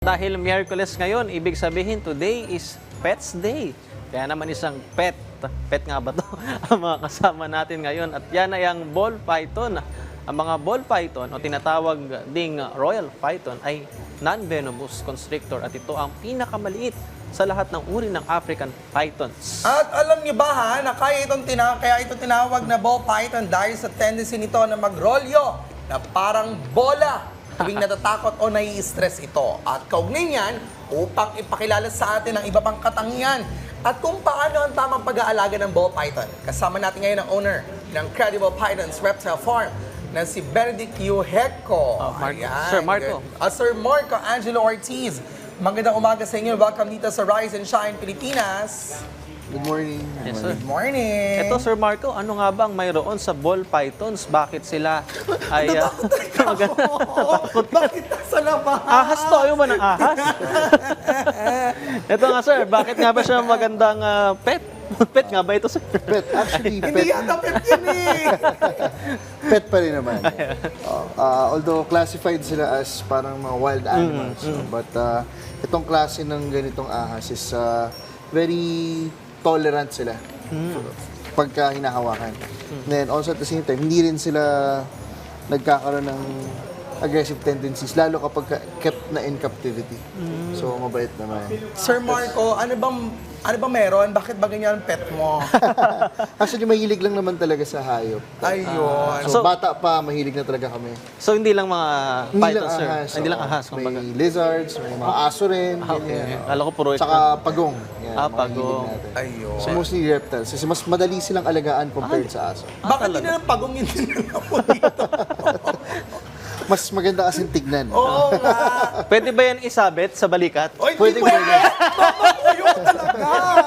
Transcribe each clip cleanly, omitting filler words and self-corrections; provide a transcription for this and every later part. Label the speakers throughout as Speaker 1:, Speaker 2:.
Speaker 1: Dahil Miyerkules ngayon, ibig sabihin today is Pets Day. Kaya naman isang pet nga ba to ang mga kasama natin ngayon. At yan ay ang ball python. Ang mga ball python o tinatawag ding royal python ay non-venomous constrictor at ito ang pinakamaliit sa lahat ng uri ng African pythons.
Speaker 2: At alam niyo ba ha, na kaya ito tinawag na ball python dahil sa tendency nito na magrolyo na parang bola tuwing natatakot o nai-stress ito. At kaugnay niyan, upang ipakilala sa atin ang iba pang katangian at kung paano ang tamang pag-aalaga ng ball python. Kasama natin ngayon ang owner ng Credible Pythons Reptile Farm na si Benedict Yuheco.
Speaker 1: Sir Marco.
Speaker 2: Sir Marco Angelo Ortiz. Magandang umaga sa inyo. Welcome dito sa Rise and Shine Pilipinas.
Speaker 3: Good morning.
Speaker 1: Yes, sir.
Speaker 2: Good morning.
Speaker 1: Ito, Sir Marco, ano nga bang mayroon sa ball pythons? Bakit sila ay...
Speaker 2: Bakit nasa labas?
Speaker 1: Ahas to, ayaw ba ng ahas? Ito nga, sir, bakit nga ba siya magandang pet? Pet nga ba ito, sir?
Speaker 3: Pet, actually,
Speaker 2: Hindi
Speaker 3: pet,
Speaker 2: yata pet yun eh.
Speaker 3: pet pa rin naman. Although classified sila as parang mga wild animals. But itong klase ng ganitong ahas is very tolerant sila pagka hinahawakan. Then also at the same time, hindi rin sila nagkakaroon ng aggressive tendencies, lalo kapag kept na in captivity. So, mabait naman.
Speaker 2: Sir Marco, ano bang meron? Bakit ba ganyan ang pet mo?
Speaker 3: Actually, mahilig lang naman talaga sa hayop.
Speaker 2: Ayun.
Speaker 3: So, bata pa, mahilig na talaga kami.
Speaker 1: So, hindi lang mga
Speaker 3: Hindi lang
Speaker 1: pythons, sir?
Speaker 3: ahas.
Speaker 1: Hindi lang ahas,
Speaker 3: May
Speaker 1: kumbaga.
Speaker 3: lizards, may mga aso rin.
Speaker 1: Okay.
Speaker 3: ganyan.
Speaker 1: Kala ko puro ito.
Speaker 3: Saka pagong. Yan, mga
Speaker 1: pagong.
Speaker 3: hilig natin.
Speaker 2: Ayun.
Speaker 3: So mostly reptiles. Kasi mas madali silang alagaan compared sa aso.
Speaker 2: Bakit hindi na lang pagong yun mo dito?
Speaker 3: Mas maganda kasing tignan.
Speaker 2: Oo nga.
Speaker 1: Pwede ba yan isabit sa balikat?
Speaker 2: Oy,
Speaker 3: Pwede,
Speaker 2: hindi pwede.
Speaker 3: pwede.
Speaker 2: Mamakuyo ko talaga.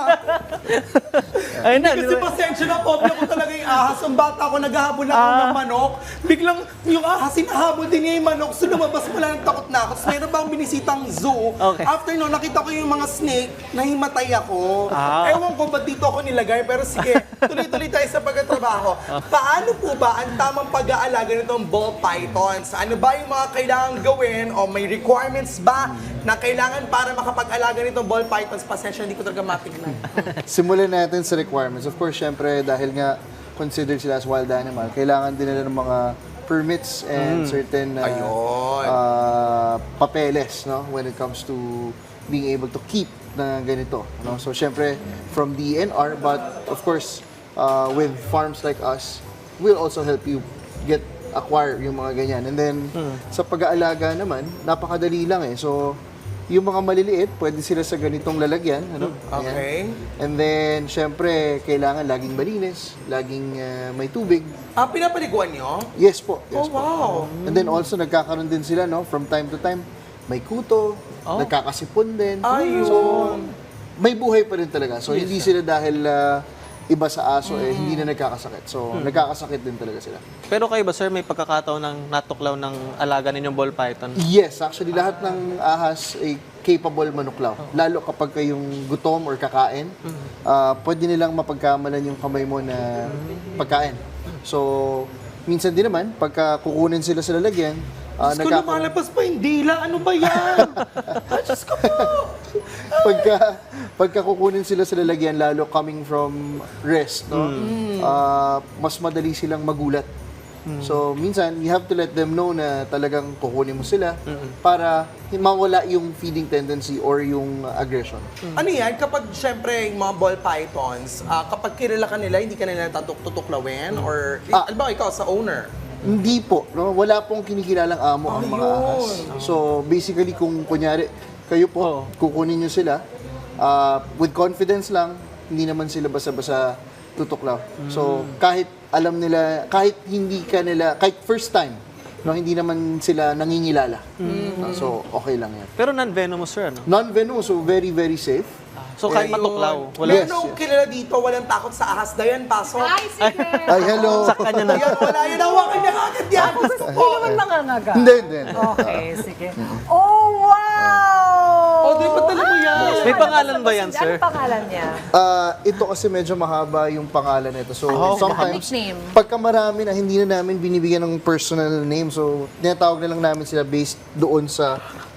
Speaker 1: Ayun na,
Speaker 2: Kasi pasensya na, phobia ko talaga yung ahas. Ang bata ako, naghahabol ako ng manok. Biglang yung ahas, hinahabol din niya yung manok. So lumabas mo lang, takot na ako. So, meron bang binisitang zoo.
Speaker 1: Okay.
Speaker 2: After no, nakita ko yung mga snake, nahimatay ako. Ewan ko ba't dito ako nilagay. Pero sige, tuloy-tuloy tayo sa pagkatrabaho. Paano po ba ang tamang pag-aalaga nitong ball pythons? Ano ba yung mga kailangan gawin o may requirements ba na kailangan para makapag-alaga nitong ball pythons? Pasensya, hindi ko talaga matignan.
Speaker 3: Simulan natin sa requirements. Of course, syempre, dahil nga considered sila as wild animal, kailangan din nila ng mga permits and certain
Speaker 2: Ayun.
Speaker 3: papeles, no, when it comes to being able to keep na ganito. No? So, syempre, from DNR, but of course, with farms like us, we'll also help you acquire yung mga ganyan. And then, sa pag-aalaga naman, napakadali lang eh. So, yung mga maliliit, pwede sila sa ganitong lalagyan. Ano?
Speaker 2: Okay.
Speaker 3: Ayan. And then, syempre, kailangan laging malinis, laging may tubig.
Speaker 2: Pinapaliguan nyo?
Speaker 3: Yes po.
Speaker 2: Oh,
Speaker 3: Yes po.
Speaker 2: wow.
Speaker 3: And then also, nagkakaroon din sila, no, from time to time, may kuto, nagkakasipon din.
Speaker 2: Ayun.
Speaker 3: So, may buhay pa rin talaga. So, hindi sila dahil iba sa aso, hindi na nagkakasakit. So, nagkakasakit din talaga sila.
Speaker 1: Pero kayo ba, sir, may pagkakataon ng natuklaw ng alaga ninyong ball python?
Speaker 3: Yes, actually, lahat ng ahas ay capable manuklaw. Lalo kapag kayong gutom or kakain, pwede nilang mapagkamalan yung kamay mo na pagkain. So, minsan din naman, pagka kukunin sila sa lalagyan,
Speaker 2: Diyos ko, lumalabas pa yung dila. Ano ba yan? Diyos ko po.
Speaker 3: pagka kukunin sila sa lalagyan, lalo coming from rest, no? Mas madali silang magulat. So, minsan, you have to let them know na talagang kukunin mo sila para mawala yung feeding tendency or yung aggression.
Speaker 2: Ano yan? Kapag, syempre, yung mga ball pythons, kapag kilala ka nila, hindi ka nila tutuklawin? Or, alam ba, ikaw sa owner?
Speaker 3: Hindi po, no? Wala pong kinikilalang amo ang mga ahas. So, basically, kung kunyari, kayo po, kukunin nyo sila, with confidence lang, hindi naman sila basa-basa tutuklaw. So, kahit alam nila, kahit kahit first time, no, hindi naman sila nangingilala. So, okay lang yan.
Speaker 1: Pero non-venomous, sir, ano?
Speaker 3: Non-venomous, so very, very safe.
Speaker 1: So, kahit
Speaker 2: Ayun.
Speaker 1: matuklaw, wala.
Speaker 3: Yes.
Speaker 2: Meron kilala dito, walang takot sa ahas. Dayan, pasok.
Speaker 4: Ay, sige.
Speaker 3: Ay, hello!
Speaker 1: Sa kanya na.
Speaker 2: Ayan, wala yun. Hawakan niya agad yan.
Speaker 4: Hindi naman nangangaga.
Speaker 3: Hindi, hindi.
Speaker 4: Okay, sige. Oh, wow!
Speaker 2: Oh, di ba talaga mo yan?
Speaker 1: May pangalan ba yan, sir?
Speaker 4: Ano pangalan niya?
Speaker 3: Ito kasi medyo mahaba yung pangalan nito. So, sometimes,
Speaker 4: nickname.
Speaker 3: pagka marami na hindi na namin binibigyan ng personal name, so tinatawag na lang namin sila based doon sa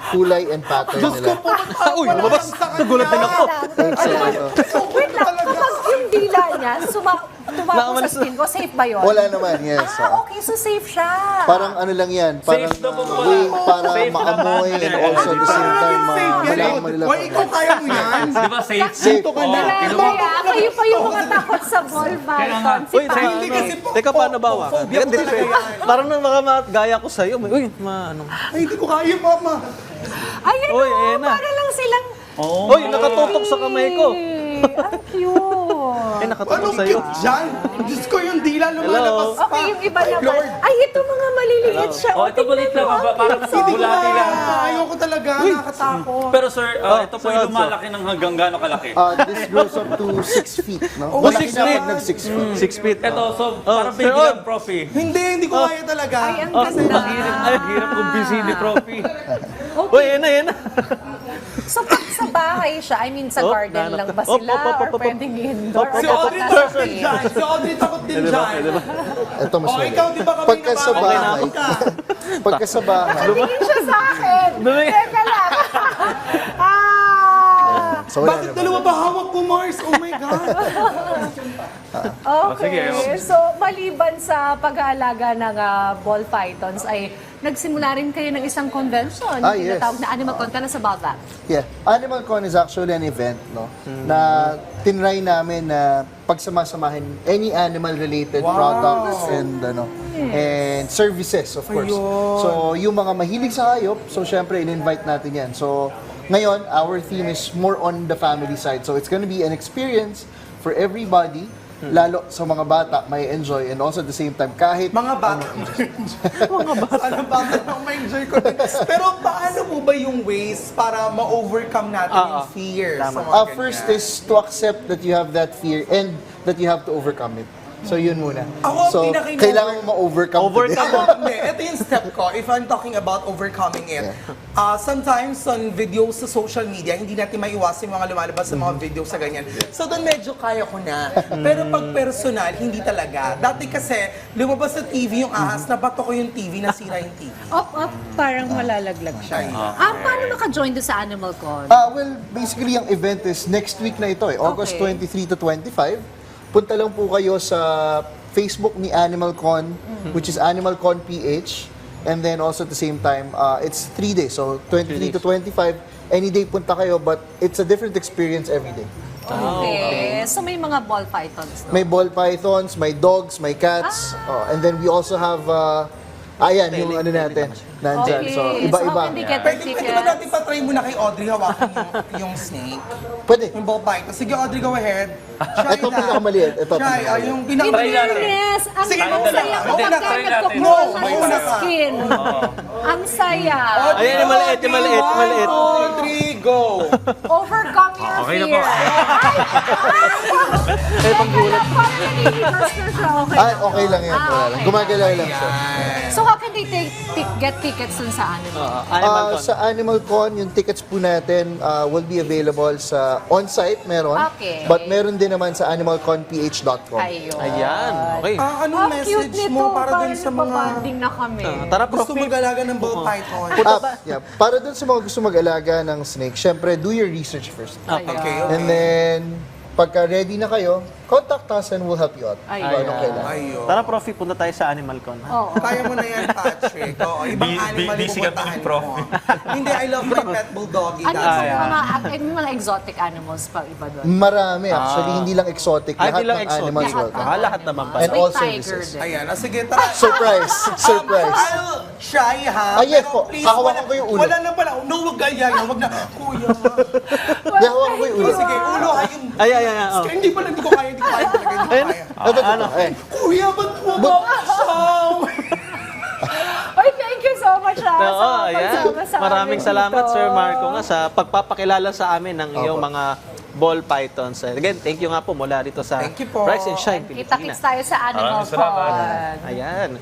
Speaker 3: kulay and pattern nila.
Speaker 1: Uy, lumabas. Nagulat din ako.
Speaker 4: Wait lang, kapag yung dila niya, tumako sa skin ko, safe ba yun?
Speaker 3: Wala naman, yes.
Speaker 4: Okay, so safe siya.
Speaker 3: Parang ano lang yan, parang
Speaker 5: Safe daw po pala.
Speaker 3: way para
Speaker 5: Safe
Speaker 3: maamoy
Speaker 5: naman.
Speaker 3: and also at the same time, malaman nila.
Speaker 2: Why, ikaw kaya mo yan?
Speaker 5: Di ba safe?
Speaker 3: Safe.
Speaker 4: Kaya kayo pa yung mga takot sa ball python. Si
Speaker 1: Uy,
Speaker 4: Paolo.
Speaker 2: Hindi kasi po.
Speaker 1: Teka, paano ba?
Speaker 2: Phobia ko talaga yan.
Speaker 1: Parang nang gaya ko sa'yo. Uy, ano.
Speaker 2: Ay, hindi ko kaya, mama.
Speaker 4: Ayun
Speaker 1: Uy,
Speaker 4: o,
Speaker 1: ayan na.
Speaker 4: para lang silang...
Speaker 1: Uy, nakatutok sa kamay ko.
Speaker 4: Ang cute.
Speaker 1: Ay, nakatutok
Speaker 2: Anong
Speaker 1: sa'yo.
Speaker 2: cute dyan? Diyos ko, yung dila lumalabas pa.
Speaker 4: Okay, yung iba
Speaker 2: Ay,
Speaker 4: naman.
Speaker 2: Lord.
Speaker 4: Ay, ito mga maliliit siya.
Speaker 5: Oh, ito balit lang. Parang
Speaker 2: Hindi ko
Speaker 5: bulati lang.
Speaker 2: kaya. Ayoko talaga. Nakatakot.
Speaker 5: Pero sir, ito po
Speaker 1: so,
Speaker 5: yung lumalaki ng hanggang gaano kalaki.
Speaker 3: This grows up to 6 feet, no?
Speaker 2: Oh,
Speaker 3: Malaki
Speaker 1: 6
Speaker 3: na
Speaker 1: feet.
Speaker 3: pag nag-6 feet.
Speaker 1: 6 feet.
Speaker 5: Ito, so parang
Speaker 1: Sir
Speaker 5: baby
Speaker 1: Od.
Speaker 5: lang, profi.
Speaker 2: Hindi ko kaya talaga.
Speaker 4: Ay, ang ganda.
Speaker 5: Hirap kong busy ni profi.
Speaker 1: Uy, yan na.
Speaker 4: So, pag sa bahay siya, I mean, sa
Speaker 1: Oh,
Speaker 4: garden lang ba
Speaker 1: op,
Speaker 4: sila?
Speaker 1: op, op,
Speaker 4: Or
Speaker 1: op, op.
Speaker 4: pwedeng indoor? Or
Speaker 2: Si
Speaker 4: dapat
Speaker 2: Audrey
Speaker 4: nasa
Speaker 2: takot din
Speaker 4: shade?
Speaker 2: dyan. Si Audrey takot din dyan.
Speaker 3: Ito mas
Speaker 2: Oh,
Speaker 3: mali.
Speaker 2: ikaw, di ba kami
Speaker 3: Pagka sa bahay, pagka sa bahay,
Speaker 4: Tingin siya sa akin.
Speaker 1: Dumi.
Speaker 4: Teka lang.
Speaker 3: so wala
Speaker 2: Bakit
Speaker 3: naman.
Speaker 2: dalawa ba hawak ko, Mars? Oh my God.
Speaker 4: Okay. So, maliban sa pag-aalaga ng ball pythons, ay nagsimula rin kayo ng isang convention.
Speaker 3: Yes.
Speaker 4: Tinatawag na Animal Con. Tell us about that.
Speaker 3: Yeah. Animal Con is actually an event, no? Na tinry namin na pagsamasamahin any animal-related products and and services, of course.
Speaker 2: Ayun.
Speaker 3: So, yung mga mahilig sa hayop, so syempre, in-invite natin yan. So, ngayon, our theme is more on the family side. So, it's gonna be an experience for everybody, lalo sa mga bata, may enjoy, and also at the same time, kahit
Speaker 2: Mga bata. Mga bata. Ano bata nang ma-enjoy ko din. Pero paano mo ba yung ways para ma-overcome natin yung fear? Sa mga
Speaker 3: first
Speaker 2: ganyan?
Speaker 3: is to accept that you have that fear and that you have to overcome it. So yun muna.
Speaker 2: Ako,
Speaker 3: So
Speaker 2: pinaka-in-
Speaker 3: kailangan mo ma-overcome
Speaker 1: Overcome.
Speaker 3: today.
Speaker 2: Ako, hindi. Ito yung step ko. If I'm talking about overcoming it, sometimes on videos sa social media, hindi natin maiwasan yung mga lumalabas sa mga videos sa ganyan. So doon medyo kaya ko na. Pero pag personal, hindi talaga. Dati kasi, lumabas sa TV yung ahas, nabato ko yung TV, nasira yung TV.
Speaker 4: Parang malalaglag siya. Paano maka-join doon sa Animal Con?
Speaker 3: Well, basically yung event is next week na ito August
Speaker 4: Okay.
Speaker 3: 23 to 25. Punta lang po kayo sa Facebook ni Animal Con, which is Animal Con PH. And then also at the same time, it's 3 days. So 23 to 25, any day punta kayo, but it's a different experience every day.
Speaker 4: Okay. So, may mga ball pythons, no?
Speaker 3: May ball pythons, may dogs, may cats. And then we also have, ayan, yung ano natin, nandyan.
Speaker 4: Okay.
Speaker 3: So, iba-iba.
Speaker 4: So, how can they get
Speaker 2: Pwede
Speaker 4: their
Speaker 2: ba natin
Speaker 4: tickets?
Speaker 2: patry muna kay Audrey hawakan yung snake?
Speaker 3: Pwede.
Speaker 2: Yung ball python. Sige, Audrey, go ahead. Try
Speaker 3: Ito
Speaker 2: na.
Speaker 3: pinakamaliit. Ito
Speaker 2: Try,
Speaker 3: pinakamaliit.
Speaker 2: yung
Speaker 4: In
Speaker 5: Try natin.
Speaker 4: fairness, ang
Speaker 2: Sige,
Speaker 4: ang
Speaker 2: mauna
Speaker 4: saya
Speaker 2: ka.
Speaker 4: ko
Speaker 2: Mauna
Speaker 4: pagka
Speaker 2: ka.
Speaker 5: Try
Speaker 2: No,
Speaker 4: nagkukuha
Speaker 2: mauna
Speaker 4: sa
Speaker 2: ka.
Speaker 4: skin. Ang saya.
Speaker 1: Ayan, yung maliit, yung maliit, yung maliit.
Speaker 2: 1, 2, 3, go!
Speaker 4: Overcome your
Speaker 5: Okay na
Speaker 4: fear.
Speaker 5: po.
Speaker 4: Ay, paggulat. Parang naniligtas na siya. Okay.
Speaker 3: Okay lang yan. Wala lang. Gumagalaw lang siya.
Speaker 4: So, how can they get tickets dun sa Animal?
Speaker 1: Animal Con.
Speaker 3: Sa Animal Con, yung tickets po natin will be available sa on-site, meron.
Speaker 4: Okay.
Speaker 3: But meron din naman sa animalconph.com.
Speaker 4: Ayun.
Speaker 1: Ayan, okay.
Speaker 2: Anong
Speaker 4: Ang cute
Speaker 2: message
Speaker 4: nito.
Speaker 2: mo para dun sa mga
Speaker 4: nagpapanding na kami.
Speaker 1: Tara,
Speaker 2: gusto
Speaker 1: Profi.
Speaker 2: mag-alaga ng ball python?
Speaker 3: Yeah. Para dun sa mga gusto mag-alaga ng snake, syempre, do your research first.
Speaker 2: Okay,
Speaker 3: And then, pagka ready na kayo, contact us and we'll help you out.
Speaker 4: Ayun.
Speaker 3: Kung anong kailangan.
Speaker 2: Ayun.
Speaker 1: Tara, Profi, punta tayo sa Animal Con.
Speaker 4: Oo.
Speaker 2: Kaya mo na yan, Patrick. Oo, ibang animal yung
Speaker 5: busy kami
Speaker 2: pupuntahan
Speaker 5: ni Prof.
Speaker 2: mo. Hindi, I love my pet bulldoggy.
Speaker 4: Ano
Speaker 2: That's
Speaker 4: yung
Speaker 2: it.
Speaker 4: mga exotic animals pa iba doon?
Speaker 3: Marami actually, hindi lang exotic.
Speaker 1: Ay,
Speaker 3: Lahat
Speaker 1: di lang
Speaker 3: ng animals
Speaker 1: exotic.
Speaker 3: welcome.
Speaker 1: Lahat naman pa.
Speaker 3: And
Speaker 4: May
Speaker 3: all
Speaker 4: tiger
Speaker 3: services.
Speaker 4: din.
Speaker 2: Ayan, sige, tara.
Speaker 3: Surprise! Surprise!
Speaker 2: I'll try, ha?
Speaker 3: Yes
Speaker 2: Pero
Speaker 3: po.
Speaker 2: please,
Speaker 3: Hahawakan ko yung ulo.
Speaker 2: Wala na pala. No, wag ganyan. Wag na. Kuya.
Speaker 3: Yahawakan ko yung ulo.
Speaker 2: Sige, ulo ha yung...
Speaker 1: Ay. Oh.
Speaker 2: Hindi pala, hindi ko kaya talaga. Hindi ko kaya.
Speaker 3: Ito. Eh.
Speaker 2: Kuya, ba't mo ba?
Speaker 4: Oy, thank you so much sa
Speaker 1: ayan.
Speaker 4: pagsama sa
Speaker 1: Maraming
Speaker 4: amin
Speaker 1: salamat,
Speaker 4: dito.
Speaker 1: Sir Marco, nga sa pagpapakilala sa amin ng iyong mga ball pythons. Again, thank you nga po mula rito sa
Speaker 2: Thank you po.
Speaker 1: Rise and Shine,
Speaker 4: Kita-kits
Speaker 1: Pilipinas.
Speaker 4: tayo sa Animal
Speaker 5: Maraming salamat.
Speaker 4: Con.
Speaker 1: Ayan.